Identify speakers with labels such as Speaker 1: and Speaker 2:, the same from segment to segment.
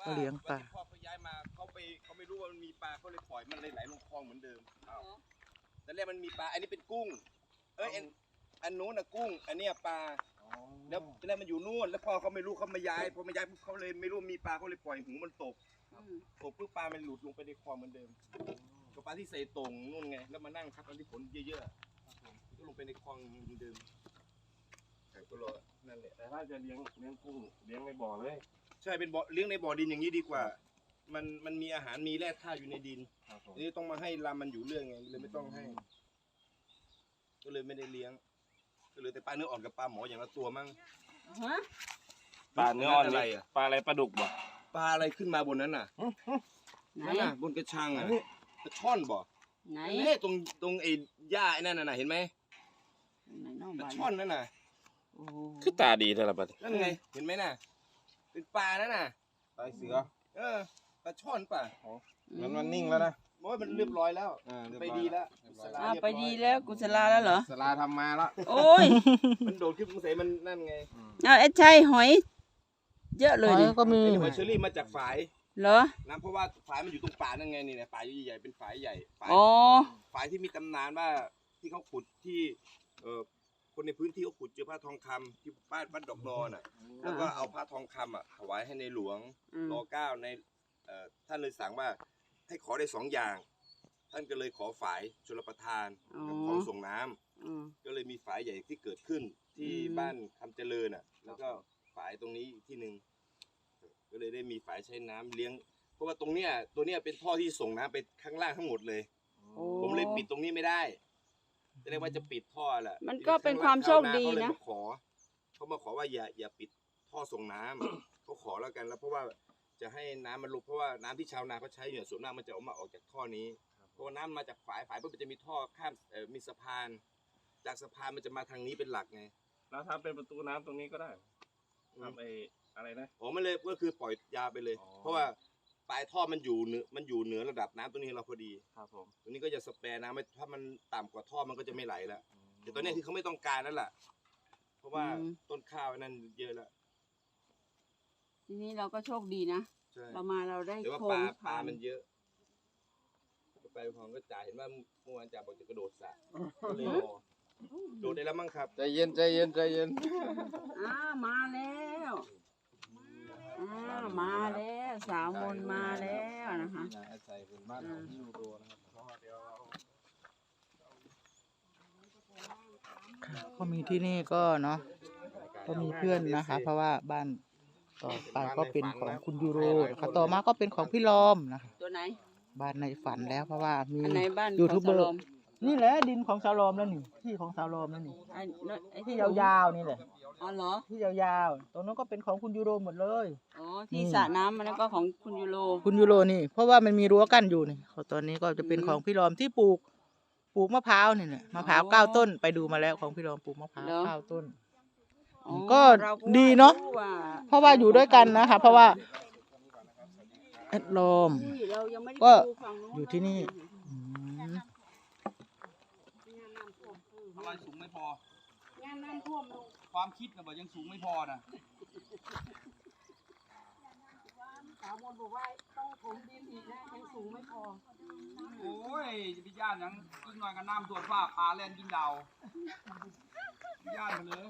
Speaker 1: เขาเลี้ยงปลา
Speaker 2: พ่อเขาย้ายมาเขาไม่รู้ว่ามันมีปลาเขาเลยปล่อยมันเลยไหลลงคลองเหมือนเดิมแต่แรกมันมีปลาอันนี้เป็นกุ้งอันนู้นน่ะกุ้งอันนี้ปลาแล้วแรกมันอยู่นู่นแล้วพ่อเขาไม่รู้เขามาย้ายพอมาย้ายปุ๊บเขาเลยไม่รู้มีปลาเขาเลยปล่อยหูมันตกปุ๊บปลามันหลุดลงไปในคลองเหมือนเดิมก็ปลาที่ใส่ตรงนู่นไงแล้วมานั่งทับตอนที่ฝนเยอะๆก็ลงไปในคลองเหมือนเดิมก็รอนั่นแหละ
Speaker 3: แต่ถ้าจะเลี้ยงกุ้งเลี้ยงในบ่อเลย
Speaker 2: ใช่เป็นบ่อเลี้ยงในบ่อดินอย่างนี้ดีกว่ามันมีอาหารมีแร่ธาตุอยู่ในดินนี่ต้องมาให้ลำมันอยู่เรื่องไงเลยไม่ต้องให้ก็เลยไม่ได้เลี้ยงก็เลยแต่ปลาเนื้ออ่อนกับปลาหมออย่างละตัวมั้ง
Speaker 3: ปลาเนื้ออ่อนอะไรปลาอะไรปลาดุกบ่
Speaker 2: ปลาอะไรขึ้นมาบนนั้นน่ะนั่นน่ะบนกระชังอ่ะกระช่อนบ่ไหนตรงไอ้หญ้าไอ้นั่นน่ะเห็นไหมกระช่อนนั่นน่ะ
Speaker 3: คือตาดีแต่ละบัด
Speaker 2: นั่นไงเห็นไหมน่ะเป็นปลานั่นน่ะ
Speaker 3: ปลาเสือ
Speaker 2: ปลาช่อนป่ะ
Speaker 3: มันนิ่งแล้วนะ
Speaker 2: โอ้ยมันเรียบร้อยแล้วไปดีแล้ว
Speaker 1: ไปดีแล้วกุศลาแล้วเหรอ
Speaker 3: สลาทำมาแล้ว
Speaker 1: โอ้ย
Speaker 2: มันโดดขึ้นใส่มันนั่นไง
Speaker 1: ไอ้ใช่หอยเยอะเลย
Speaker 2: ก็มีหอยเชอรี่มาจากฝาย
Speaker 1: เหรอ
Speaker 2: น้ำเพราะว่าฝายมันอยู่ตรงป่านั่นไงนี่นะป่าใหญ่ๆเป็นฝายใหญ่ฝายที่มีตำนานว่าที่เขาขุดที่คนในพื้นที่เขาขุดเจอพระทองคำที่บ้านดอกนอนแล้วก็เอาพระทองคำถวายให้ในหลวงร.9ในท่านเลยสั่งว่าให้ขอได้2 อย่างท่านก็เลยขอฝายชลประทานกับของส่งน้ำก็เลยมีฝายใหญ่ที่เกิดขึ้นที่บ้านคำเจริญแล้วก็ฝายตรงนี้ที่หนึ่งก็เลยได้มีฝายใช้น้ำเลี้ยงเพราะว่าตัวเนี้ยเป็นท่อที่ส่งน้ำไปข้างล่างทั้งหมดเลยผมเลยปิดตรงนี้ไม่ได้จะเรียกว่าจะปิดท่อแหละ
Speaker 1: มันก็เป็นความโชคดีนะ
Speaker 2: เขามาขอว่าอย่าปิดท่อส่งน้ำเขาขอแล้วกันแล้วเพราะว่าจะให้น้ำมันลงเพราะว่าน้ำที่ชาวนาเขาใช้เนี่ยส่วนมากมันจะออกจากท่อนี้เพราะน้ำมาจากฝายปุ๊บมันจะมีท่อข้ามมีสะพานจากสะพานมันจะมาทางนี้เป็นหลักไง
Speaker 3: แล้วทำเป็นประตูน้ำตรงนี้ก็ได้ทำอะไรนะ
Speaker 2: มันเลยก็คือปล่อยยาไปเลยเพราะว่าปลายท่อมันอยู่เหนือระดับน้ำตรงนี้เราพอดี
Speaker 3: ครับผม
Speaker 2: ตรงนี้ก็จะสแปร์น้ำถ้ามันต่ำกว่าท่อมันก็จะไม่ไหลแล้วแต่ตอนนี้คือเขาไม่ต้องการนั่นแหละเพราะว่าต้นข้าวนั่นเยอะแล้ว
Speaker 1: ทีนี้เราก็โชคดีนะเรามาเราได้
Speaker 2: โคมปลามันเยอะไปพร้อมก็จ่ายเห็นว่าเมื่อวานจ่าบอกจะกระโดดสระก็เลยรอโดดได้แล้วมั้งครับ
Speaker 3: ใจเย็น
Speaker 1: มาแล้วมาแล้วสาวมนมาแล้วนะคะก็มีที่นี่ก็เนาะก็มีเพื่อนนะคะเพราะว่าบ้านต่อไปก็เป็นของคุณยูโรค่ะต่อมาก็เป็นของพี่ลอมนะคะตัวไหนบ้านในฝันแล้วเพราะว่ามียูทูบเบอร์นี่แหละดินของสาวลอมแล้วนี่ที่ของสาวลอมแล้วนี่ที่ยาวๆนี่แหละอ๋อเหรอที่ยาวๆตรงนั้นก็เป็นของคุณยูโรหมดเลยอ๋อที่สระน้ำมันก็ของคุณยูโรนี่เพราะว่ามันมีรั้วกั้นอยู่นี่ตอนนี้ก็จะเป็นของพี่ลอมที่ปลูกมะพร้าวนี่แหละมะพร้าว9 ต้นไปดูมาแล้วของพี่ลอมปลูกมะพร้าว9 ต้นก็ดีเนาะเพราะว่าอยู่ด้วยกันนะคะเพราะว่าแอดลมก็อยู่ที่นี่
Speaker 2: อะไรสูงไม่พองานน้ำท่วมความคิดนะบอกยังสูงไม่พอนะ
Speaker 1: สาวมนบอกว่าต้องถมดินอีกนะยังสูงไม่พอ
Speaker 2: โอ้ยจะไปย่านยังกินหน่อยกับน้ำตัวฟ้าปลาแล่นกินดาวย่านไปเลย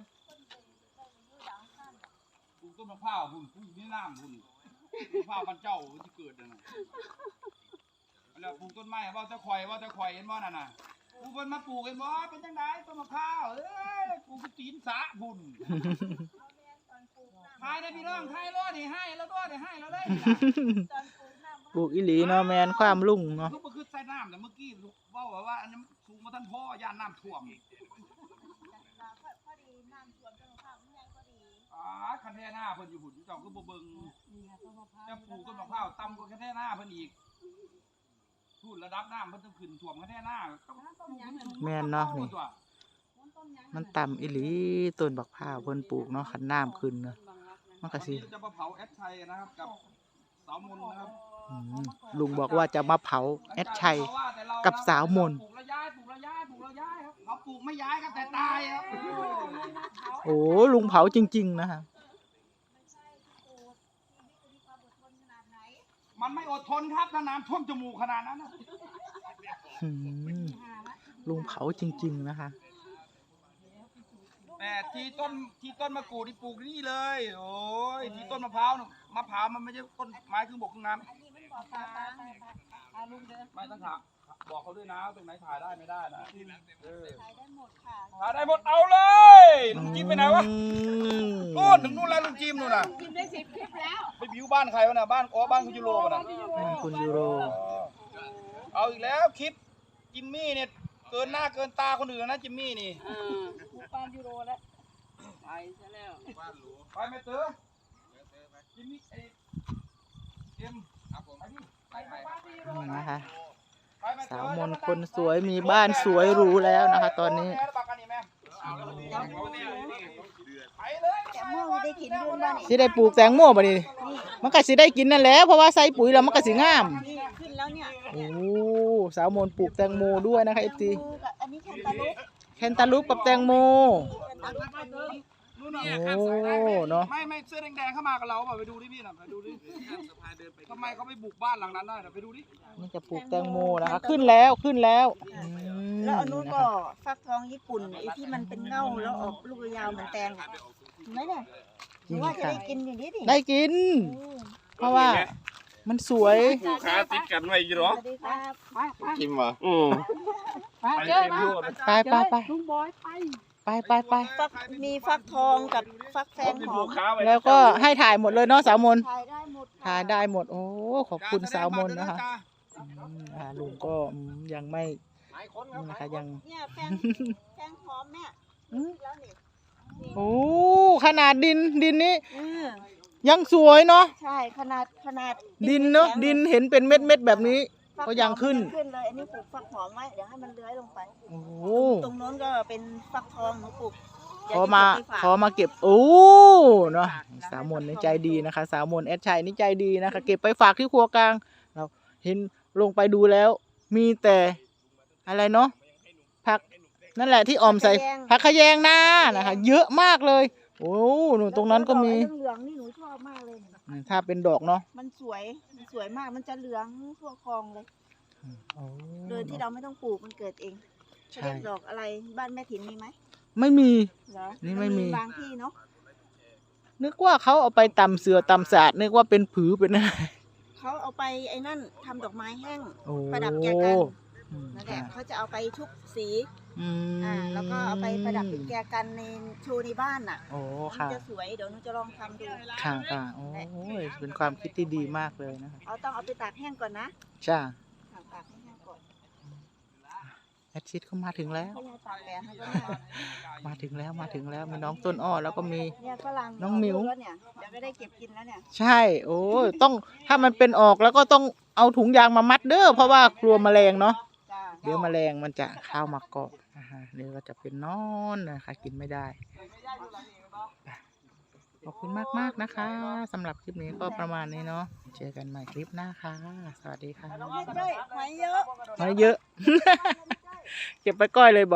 Speaker 2: ปลูกต้นมะพร้าวหุ่นปลูกนี่น้ำหุ่นมะพร้าวพันเจ้าที่เกิดนะแล้วปลูกต้นไม้ว่าจะคอยเห็นว่านั่นน่ะปลูกมันมาปลูกเห็นว่าเป็นจังไดต้นมะพร้าวปลูกตีนสะหุ่นทายได้พี่น้องทายรอดให้แล้วรอดให้แล้วได้
Speaker 1: ปลูกอีหลีเนาะแมนความลุ่งเนาะ
Speaker 2: ลูกมันคือใส่น้ำแต่เมื่อกี้ว่าอันนี้สูงมาท่านพ่อย่านน้ำท่วมคันแท่หน้าเพิ่นอยู่หุ่นเจ้าคือบ่เบิ่งจะปลูกต้นมะพร้าวต่ำกว่าคันแท่หน้าเพิ่นอีกพูดระดับน้ำเพิ่นต้องขึ้นท่วมคันแท่หน้า
Speaker 1: แม่นเนาะนี่มันต่ำอีหลีต้นบักพร้าวเพิ่นปลูกเนาะคันน้ำขึ้นเนาะมันก็สิ
Speaker 2: จะมาเผาแอดชัยนะครับกับสาวมนนะครับ
Speaker 1: ลุงบอกว่าจะมาเผาแอดชัยกับสาวมน
Speaker 2: ปลูกแล้วย้ายครับเขาปลูกไม่ย้ายครับแต่ตายครับ
Speaker 1: โอ้ลุงเผาจริงๆนะคะ
Speaker 4: มันไม่อดทนครับถ้าน้ำท่วมจมูกขนาดนั้นนะ
Speaker 1: อืมลุงเผาจริงๆนะคะ
Speaker 4: แต่ที่ต้นมะกรูดที่ปลูกนี่เลย โอ้ยที่ต้นมะพร้าวน่ะมะพร้าวมันไม่ใช่ต้นไม้ครึ่งบกครึ่งน้ำไม่ต้องถามบอกเขาด้วยนะตรงไหนถ่ายได้ไม่ได้นะถ่ายได้หมดค่ะถ่ายได้หมดเอาเลยลุงจิมไปไหนวะนู่นถึงนู่นแล้วลุงจิมนู่นน่ะจิมได้10 คลิปแล้วไปบิวบ้านใครวะน่ะบ้านบ้านคุณยูโรน่ะ
Speaker 1: คุณยูโร
Speaker 4: เอาอีกแล้วคลิปจิมมี่เนี่ยเกินหน้าเกินตาคนอื่นนะจิมมี่นี่บ้านยูโรแล้วไปซะแล้วไปแม่เต๋อจิมมี่เอ็มครับผมไปบ้านยูโร
Speaker 1: นี่นะคะ
Speaker 4: ไปแม่เต๋อ
Speaker 1: สาวมนต์คนสวยมีบ้านสวยหรูแล้วนะคะ ตอนนี้
Speaker 4: ไปเลย
Speaker 5: แต่เมื่อได้กินด้วยบ้าน
Speaker 1: สิได้ปลูกแตงโมบ่นี่มันก็สิได้กินนั่นแหละเพราะว่าใส่ปุ๋ยแล้วมันก็สิงาม
Speaker 5: นี่ขึ้นแล้วเนี่ย
Speaker 1: โอ้สาวมนต์ปลูกแตงโมด้วยนะคะFT
Speaker 5: อันนี้แคนตาลูป
Speaker 1: แคนตาลูปกับแตงโม
Speaker 5: แคนตาลูปอันนี้
Speaker 1: โอ้เนาะ
Speaker 4: ไม่เสื้อแดงๆเข้ามากับเราเปล่าไปดูดิพี่น่ะไปดูดิทำไมเขาไปบุกบ้านหลังนั้นได้น่ะไปดูดิ
Speaker 1: นี่จะปลูกแตงโมนะคะขึ้นแล้วขึ้นแล้วอืม
Speaker 5: แล้วอันนู้นก็ฟักทองญี่ปุ่นไอ้ที่มันเป็นเง่าแล้วออกลูกยาวเหมือนแตงอะเห็นไหมเนี่ยหรือว่าจะได้กินอย่างนี้ดิ
Speaker 1: ได้กิน เพราะว่ามันสวย
Speaker 3: ผู้ค้าติดกันไว้อยู่หรอ
Speaker 5: สวัสดีครับ
Speaker 2: กินวะ
Speaker 3: ไปเจอมา
Speaker 1: ไปไป
Speaker 5: มีฟักทองกับฟักแฟงหอ
Speaker 3: ผู้
Speaker 5: ม
Speaker 3: ค้าไว้
Speaker 1: แล้วก็ให้ถ่ายหมดเลยเนาะสาวมน
Speaker 5: ถ่ายได้หมด
Speaker 1: ถ่ายได้หมดโอ้ขอบคุณสาวมนนะคะ
Speaker 4: จ้า
Speaker 1: ลุงก็ยังไม่นี่นะคะยัง
Speaker 5: เนี่ยแฟงหอมเนี่ย
Speaker 1: อืม
Speaker 5: แล้วนี่
Speaker 1: โอ้ขนาดดินนี้
Speaker 5: อ
Speaker 1: ยังสวยเนาะ
Speaker 5: ใช่ขนาด
Speaker 1: ดินเนาะดินเห็นเป็นเม็ดแบบนี้
Speaker 5: ฟัหอม
Speaker 1: ก็ยังขึ้น
Speaker 5: ขึ้นเลยอันนี้ปลูกฟักหอมไว้เดี๋ยวให้มันเลื้อยลงไป
Speaker 1: โอ้
Speaker 5: ตรงโน้นก็เป็นฟักทองหนูปลูก
Speaker 1: ขอมาเก็บโอ้เนาะสาวมนนี่ใจดีนะคะ สาวมนแอดชัยนี่ใจดีนะคะ เก็บไปฝากที่ครัวกลางเราเห็นลงไปดูแล้ว มีแต่อะไรเนาะผักนั่นแหละที่ออมใส่ผักขะแยงหน้านะคะ เยอะมากเลย โอ้หนูตรงนั้นก็มี
Speaker 5: เหลืองๆนี่หนูชอบมากเลย
Speaker 1: ถ้าเป็นดอกเนาะ
Speaker 5: มันสวยมากมันจะเหลืองทั่วคลองเลย
Speaker 1: โอ้
Speaker 5: โดยที่เราไม่ต้องปลูกมันเกิดเอง
Speaker 1: ใช่
Speaker 5: เขาเรียกดอกอะไรบ้านแม่ถิ่นมีไหม
Speaker 1: ไม่มี
Speaker 5: เหรอ
Speaker 1: นี่ไม่มี
Speaker 5: บางที่เนาะ
Speaker 1: นึกว่าเขาเอาไปตำเสือตำสาดนึกว่าเป็นผือเป็นอะไร
Speaker 5: เขาเอาไปไอ้นั่นทำดอกไม้แห้ง
Speaker 1: โอ้
Speaker 5: ประดับแจกัน
Speaker 1: อืม
Speaker 5: นั่นแหละเขาจะเอาไปชุบสี
Speaker 1: อืม
Speaker 5: แล้วก็เอาไปประดับเป็นแจกันในโชว์ในบ้านน่ะ
Speaker 1: โอ้
Speaker 5: มัน
Speaker 1: ค่ะ
Speaker 5: จะสวยเดี๋ยวหนูจะลองทำดู
Speaker 1: ค่ะโอ้ยเป็นความคิดที่ดีมากเลยนะคะ
Speaker 5: ต้องเอาไปตากแห้งก่อนนะ
Speaker 1: จ้า
Speaker 5: ตากให้แห้งก่อน
Speaker 1: แอดชิดเขามาถึงแล้ว
Speaker 5: ไม่ให้ตากแดดให้ก็ได้
Speaker 1: มาถึงแล้วมีน้องต้นอ้อแล้วก็มี
Speaker 5: เนี่ยฝรั่ง
Speaker 1: น้องหมิว
Speaker 5: แล้วเนี่ยเดี๋ยวก็ได้เก็บกินแล้วเนี่ย
Speaker 1: ใช่ โอ้ยต้องถ้ามันเป็นออกแล้วก็ต้องเอาถุงยางมามัดเด้อเพราะว่ากลัวแมลงเนาะ
Speaker 5: จ้า
Speaker 1: เดี๋ยวแมลงมันจะเข้ามาเกาะนะคะเดี๋ยวก็จะเป็นนอนนะคะกินไม่ได้ ขอบคุณมากๆนะคะสำหรับคลิปนี้ก็ประมาณนี้เนาะเจอกันใหม่คลิปหน้าค่ะ สวัสดีค่ะ
Speaker 5: เฮ้ยหอยเยอะ
Speaker 1: หอยเยอะ เก็บไปก้อยเลยบอก